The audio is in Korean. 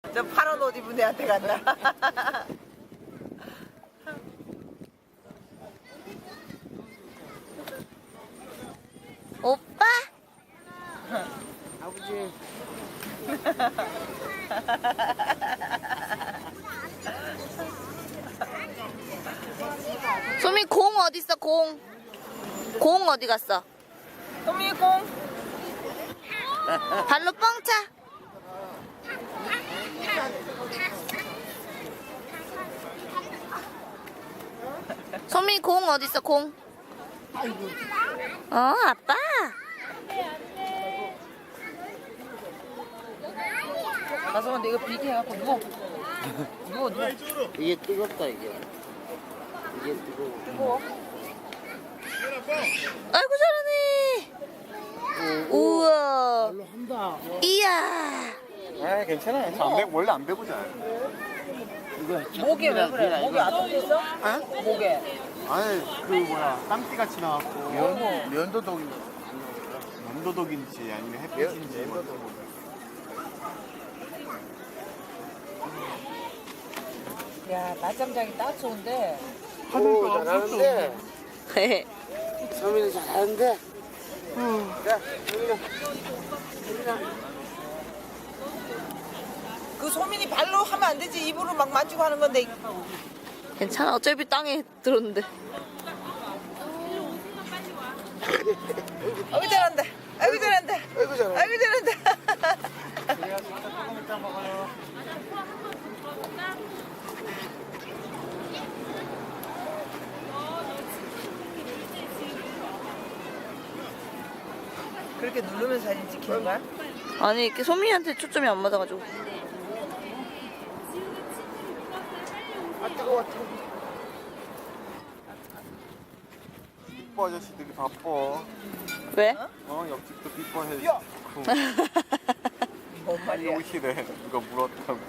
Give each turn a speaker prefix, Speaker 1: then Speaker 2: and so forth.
Speaker 1: 저 파란 옷 입은 애한테 간다.
Speaker 2: 오빠?
Speaker 3: 아버지.
Speaker 2: 소미 공 어딨어 공? 공 어디 갔어?
Speaker 1: 소미 공.
Speaker 2: 발로 뻥 차. 소미 공 어딨어 공? 아빠.
Speaker 1: 가서 이거 비계 해갖고 누워. 누워.
Speaker 3: 이게 뜨겁다 이게. 이게 뜨거워.
Speaker 1: 뜨거워.
Speaker 2: 아이고 잘하네. 우와.
Speaker 3: 발로 한다.
Speaker 2: 이야.
Speaker 4: 아 괜찮아요. 안 배, 원래 안 배고잖아요.
Speaker 3: 이거
Speaker 1: 목에 왜 그래? 목에 아프겠어?
Speaker 4: 어?
Speaker 1: 목에.
Speaker 4: 아니 그 뭐야 땀띠 같이 나왔고
Speaker 3: 면도독이.
Speaker 4: 면도독인지 아니면 햇빛인지 뭐.
Speaker 1: 야, 낮잠 자기 딱 좋은데.
Speaker 3: 오 잘하는데. 소민이 잘하는데. 야 소민아.
Speaker 1: 그 소민이 발로 하면 안 되지. 입으로 막 만지고 하는 건데.
Speaker 2: 괜찮아 어차피 땅에 들었는데.
Speaker 1: 아이고 잘한다. 아이고 잘한다.
Speaker 3: 아이고 잘한다.
Speaker 1: 아이고 잘한다.
Speaker 4: 조금 이따 먹어요.
Speaker 1: 그렇게 누르면 사진 찍히는 거야?
Speaker 2: 아니 이렇게 소민이한테 초점이 안 맞아가지고.
Speaker 3: 아 뜨거워.
Speaker 4: 삐뽀 아저씨들이 바빠.
Speaker 2: 왜?
Speaker 4: 옆집도 삐뽀 해.
Speaker 1: 뭔 말이야?
Speaker 4: 옷이래. 누가 물었다고.